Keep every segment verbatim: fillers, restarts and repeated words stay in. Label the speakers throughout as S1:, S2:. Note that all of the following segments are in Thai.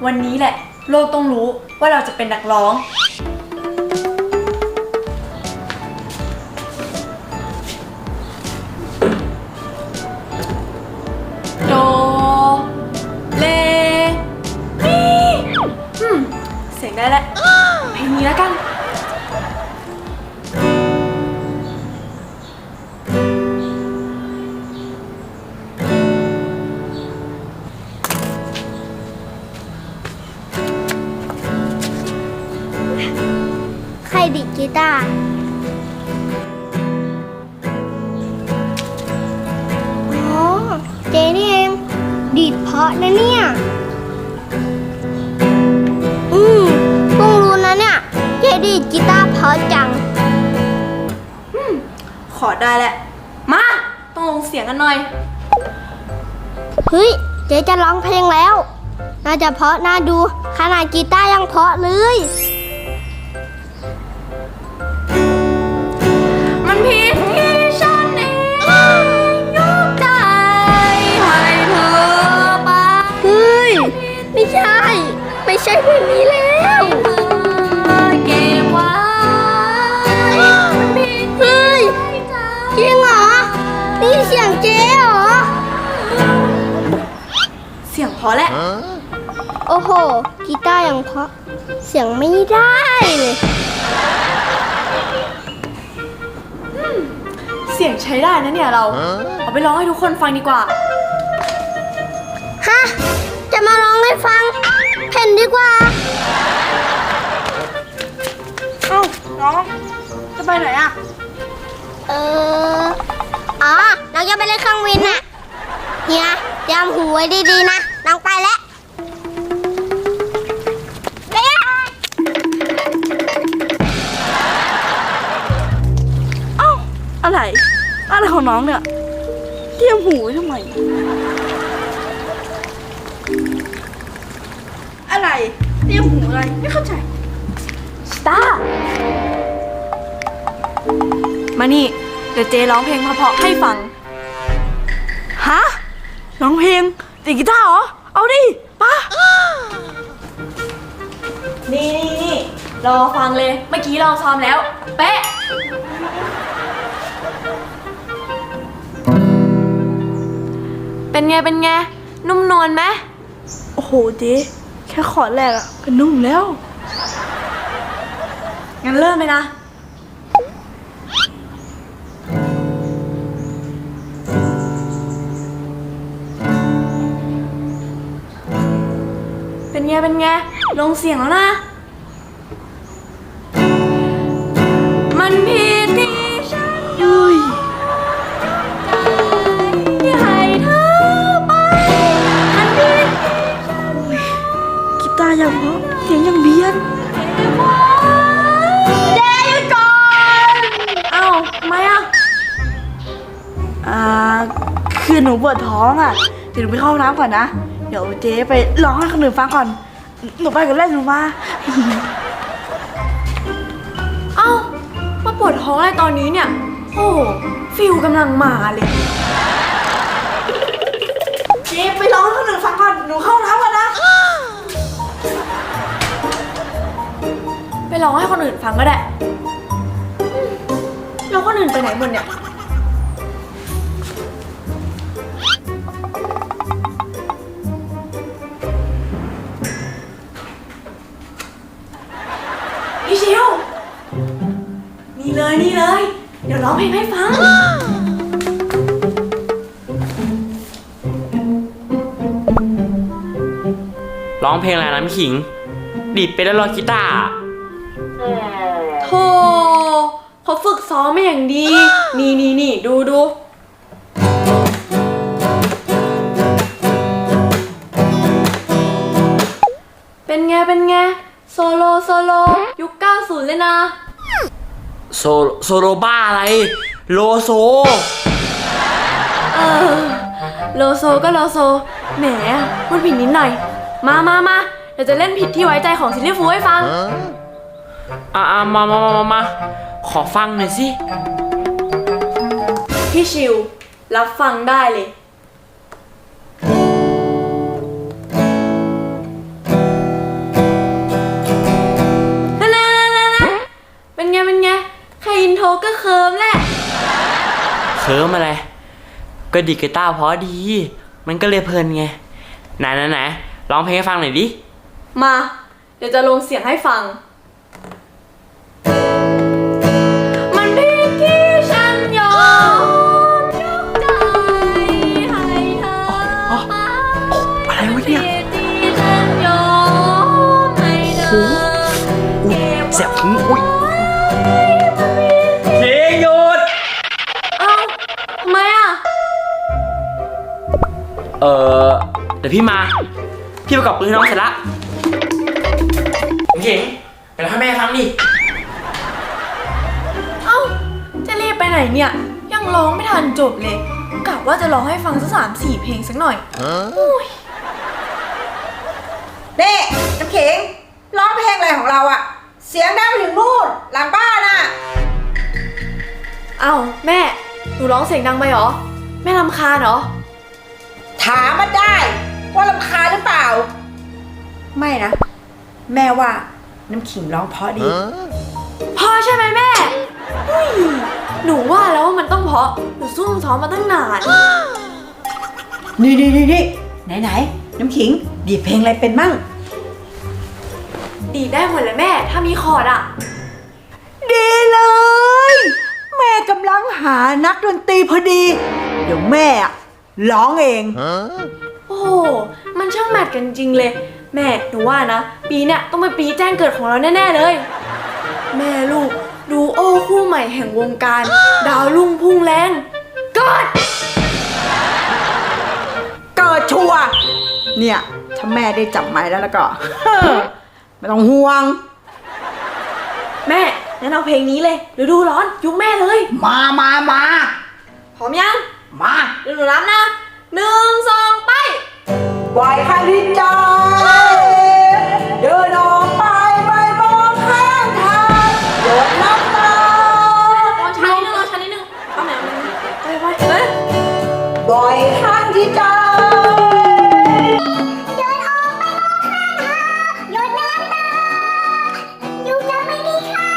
S1: วันนี้แหละโลกต้องรู้ว่าเราจะเป็นนักร้องโดเลมีอืมเสียงได้แล้วเพลงนี้แล้วกัน
S2: ใครดีดกีตาร์อ๋อเจนี่เองดีดเพราะนะเนี่ยอืมเพิ่งรู้นะเนี่ยเจดีดกีตาร์เพราะจัง
S1: อืมขอได้แหละมาต้องลงเสียงกันหน่อย
S2: เฮ้ยเจจะร้องเพลงแล้วน่าจะเพราะน่าดูขนาดกีตาร์ยังเพราะเลย
S1: มันผิดที่ฉันเองยกใจให้เธอไป
S2: เฮ้ยไม่ใช่ไม่ใช่เพลงนี้แล้ว
S1: เก็บไว้มันผิด
S2: เฮ้ยจริงเหรอนี่เสียงเจ๊เหรอ
S1: เสียงพอแล้ว
S2: โอ้โหกีตาร์ยังเพราะเสียงไม่ได้เลย
S1: เสียงใช้ได้นะเนี่ยเราเอาไปร้องให้ทุกคนฟังดีกว่า
S2: ฮะจะมาร้องให้ฟังเพ่นดีกว่า
S1: เอ้าน้องจะไปไหนอ่ะ
S2: เอออ๋อน้องจะไปเล่นเครื่องบินน่ะเฮียยามหูไว้ดีๆนะน้องไปแล้ว
S1: เอ้าอะไรอะไรของน้องเนี่ยเทียมหูทำไมอะไรเทียมหูอะไรไม่เข้าใจสตาร์มานี่เดี๋ยวเจร้องเพลงเพราะๆให้ฟังฮะร้องเพลงตีกีตาร์เหรอเอาดิป่ะนี่นี่นี่รอฟังเลยเมื่อกี้เราซ้อมแล้วเป๊ะเป็นไงเป็นไงนุ่มนวลไหมโอ้โหเจ๊แค่ขอดแรกอะก็นุ่มแล้วงั้นเริ่มเลยนะเป็นไงเป็นไงลงเสียงแล้วนะมันผิดที่ฉันยุยที่ให้เธอไปมันผิดกีตาร์ยังเพราะเสียงยังเบียดเจ๊หยุดก่อนเอ้าทำไมอ่ะอ่าคือหนูปวดท้องอ่ะเดี๋ยวหนูไปเข้าห้องน้ำก่อนนะเดี๋ยวเจ๊ไปร้องให้คนอื่นฟังก่อนหนูไปกันเล่นหนูมาเอ้ามาปวดท้องอะไรตอนนี้เนี่ยโอ้ฟิลกำลังมาเลยเจ๊ไปร้องให้คนอื่นฟังก่อนหนูเข้าห้องน้ำก่อนนะไปร้องให้คนอื่นฟังก็ได้แล้วคนอื่นไปไหนหมดเนี่ยพี่ชิวนี่เลยนี่เลยเดี๋ยวร้องเพลงให้ฟัง
S3: ร้องเพลงอะไรนะพี่ขิงดีดไปแล้วรอกีตาร์
S1: โธ่เขาฝึกซ้อมมาอย่างดี นี่นี่นี่ดูดูเป็นไงเป็นไงโซโลโซโลยุคเก้าสิบเลยนะ
S3: โซโซโลบ้าอะไรโลโซ
S1: เออโลโซก็โลโซแหมพูดผิดนิดหน่อยมามามาเดี๋ยวจะเล่นผิดที่ไว้ใจของซิลลี่ฟูให้ฟัง
S3: อ่ามามามามามาขอฟังหน่อยสิ
S1: พี่ชิวรับฟังได้เลย
S4: แค่อินโทรก็เคิร์มแหละ
S3: เคิร์มอะไร ก็ดีดกีตาร์เพราะดี มันก็เลยเพลินไง ไหนไหนไหนร้องเพลงให้ฟังหน่อยดิ
S4: มา เดี๋ยวจะลงเสียงให้ฟัง มันเพียงที่ฉันยอมยกใจให้เธอไป
S3: อะไรวะเนี่ย
S4: ที่ฉันยอมให้เธอ
S3: อุ้ย
S4: เก็บ
S3: เสียบหูอุ้ยเพลงหยุด
S4: เอ้าทำไมอ่ะ
S3: เออเดี๋ยวพี่มา พี่ประกอบปืนให้น้องเสร็จละเก่งไปร้องให้แม่ฟังดิ
S4: เอ้า จะรีบไปไหนเนี่ย ยังร้องไม่ทันจบเลยกะว่าจะร้องให้ฟังสักสามสี่เพลงสักหน่อย
S5: เน่น้ำขิงร้องเพลงอะไรของเราอะเสียงดังไปถึงนู่นหลังบ้านอะ
S4: เอ้าแม่ หนูร้องเสียงดังไปเหรอ แม่รำคาญเหรอ
S5: ถามมาได้ว่ารำคาญหรือเปล่า ไม่นะ แม่ว่าน้ำขิงร้องเพราะดี
S4: พอใช่ไหมแม่อุ้ยหนูว่าแล้วว่ามันต้องเพราะ หนูซุ่มซ้อมมาตั้งนาน
S5: นี่นี่นี่นี่ไหนไหนน้ำขิงดีดเพลงอะไรเป็นมั่ง
S4: ดีดได้หมดเลยแม่ ถ้ามีคอร์ดอะ
S5: ดีเลย แม่กำลังหานักดนตรีพอดี เดี๋ยวแม่อะร้องเอง
S4: โอ้โห มันช่างแมทกันจริงเลย แม่หนูว่านะ ปีเนี้ยต้องเป็นปีแจ้งเกิดของเราแน่ๆเลย แม่ลูกดูโอ้คู่ใหม่แห่งวงการ ดาวรุ่งพุ่งแรงกอด
S5: เกิดชัวร์เนี่ยถ้าแม่ได้จับไม้แล้วแล้วก็ ไม่ต้องห่วง
S4: แม่งั้นเอาเพลงนี้เลยฤดูร้อนยุคแม่เลย
S5: มามามา
S4: พร้อมยัง
S5: มา
S4: เดี๋ยวหนูรับนะหนึ่งสองไป
S5: ปล่อยคันดินใจเดินออกไปไม่มองข้างทางหยดน้ำตา
S4: ลองช้านิดนึงลองช้านิดนึงเอาไหนมันไปไปเฮ้ย
S5: ปล่อยคันที่ใจ
S2: เดินออกไปมองข้างทางหยดน้ำตาอยู่จะไม่มีค่า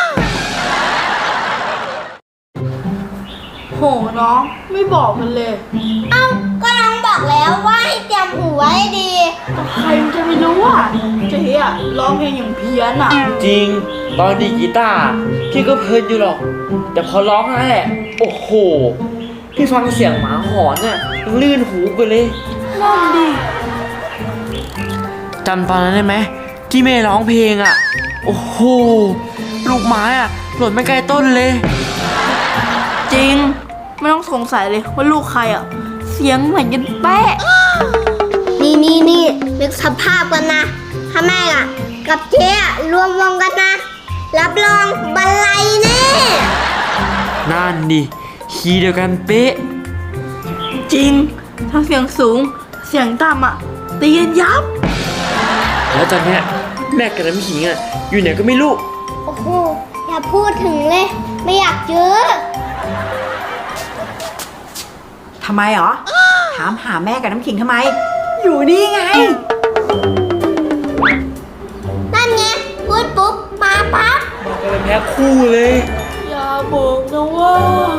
S1: โหน้องไม่บอกมันเลย
S2: เอ้าก็น้องบอกแล้วว่าให้เตรียมหูไว้ให้ดี
S1: ใครมันจะไปรู้อ่ะเจ๊อะร้องเพลงอย่างเพี้ยนอ่ะ
S3: จริง ตอนดีดกีตาร์พี่ก็เพลินอยู่หรอก แต่พอร้องนั่นแหละ โอ้โห พี่ฟังเสียงหมาหอนน่ะยังลื่นหูไปเลย
S1: นั่นดิ
S3: จำตอนนั้นได้ไหมที่แม่ร้องเพลงอ่ะ โอ้โห ลูกไม้อ่ะหล่นไม่ไกลต้นเลย
S1: จริง ไม่ต้องสงสัยเลยว่าลูกใครอ่ะ เสียงเหมือนกันแป๊ะ
S2: นี่นี่นี่นึกสภาพกันนะ ถ้าแม่อะกับเจ๊อะรวมวงกันนะ รับรองบันไลแน่
S3: นั่นดิคีย์เดียวกันเป๊ะ
S1: จริง ทั้งเสียงสูง เสียงต่ำอ่ะตีกันยับ
S3: แล้วตอนเนี้ยแม่กับน้ำขิงอ่ะอยู่ไหนก็ไม่รู้
S2: โอ้โห อย่าพูดถึงเลย ไม่อยากเจอ
S5: ทำไมหรอ ถามหาแม่กับน้ำขิงทำไม อยู่นี่ไง
S2: นั่นไง พูดปุ๊บ มาปั๊บ
S3: มันก็เป็นแพ้คู่เลย
S1: อย่าบอกนะว่า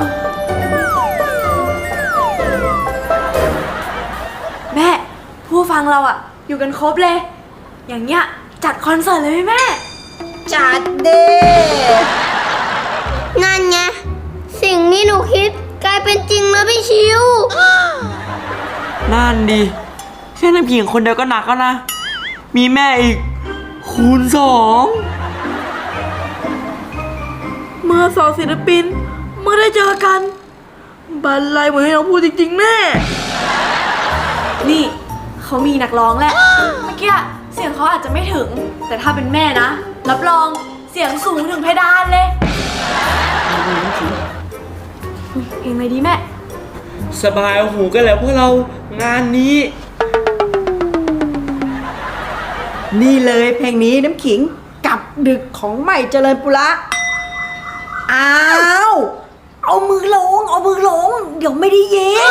S4: แม่ ผู้ฟังเราอะอยู่กันครบเลย อย่างเงี้ยจัดคอนเสิร์ตเลยไหมแม่
S5: จัดเด้
S2: นั่นไง สิ่งที่หนูคิดกลายเป็นจริงแล้วพี่ชิว
S3: นั่นดิแค่น้ำขิงคนเดียวก็หนักแล้วนะ มีแม่อีก คูณสอง
S1: เมื่อสองศิลปินเมื่อได้เจอกัน บันไลเหมือนให้น้องพูดจริงๆแน่
S4: นี่เขามีนักร้องแหละ เมื่อกี้เสียงเขาอาจจะไม่ถึง แต่ถ้าเป็นแม่นะ รับรองเสียงสูงถึงเพดานเลยเพลงอะไรดีแม่
S3: สบายหูกันแล้วพวกเรางานนี้
S5: นี่เลยเพลงนี้น้ำขิงกับดึกของใหม่เจริญปุระ อ้าว เอามือลง เอามือลง เดี๋ยวไม่ได้ยิน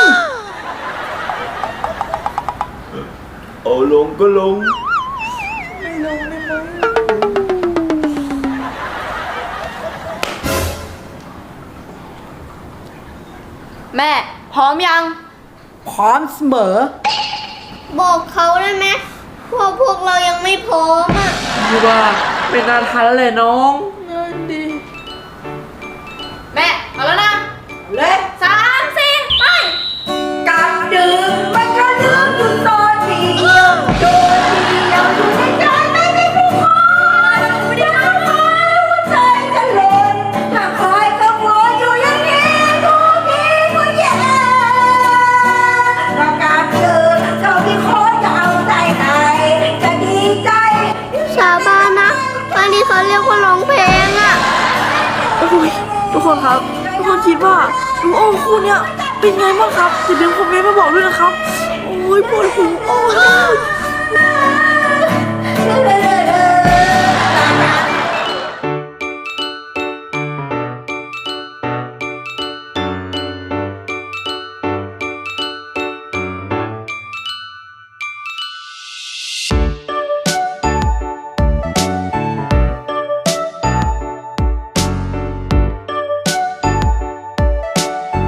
S3: เอาลงก็ลง
S5: น
S4: แม่ พร้อมยัง
S5: พร้อมเสมอ
S2: บอกเขาได้ไหมว่าพวกเรายังไม่พร้อมอ่ะ
S3: พี่ว่าไม่น่าทันแล้วแหละน้อง
S4: แม่ เอาแล้วนะ
S5: เลย
S4: สามสี่ไป
S5: กับดึกมันก็ลืมอยู่ตอนเดียวโดนเดียวอยู่ในใจไม่มีผู้คนไม่ได้ทำให้หัวใจจะเล่นถ้าคอยกังวลอยู่อย่างนี้ทุกทีก็แย่ประกาศเจอเจ้าที่ขอจะเอาใจไหนจะดีใจ
S2: สาบานนะอันนี้เขาเรียกว่าร้องเพลงอ่ะ
S1: โอ้ยทุกคนครับ ทุกคนคิดว่าดูโอ้คู่เนี้ยเป็นไงบ้างครับอย่าลืมคอมเมนต์มาบอกด้วยนะครับ โอ้ยปวดหัวโอ้ย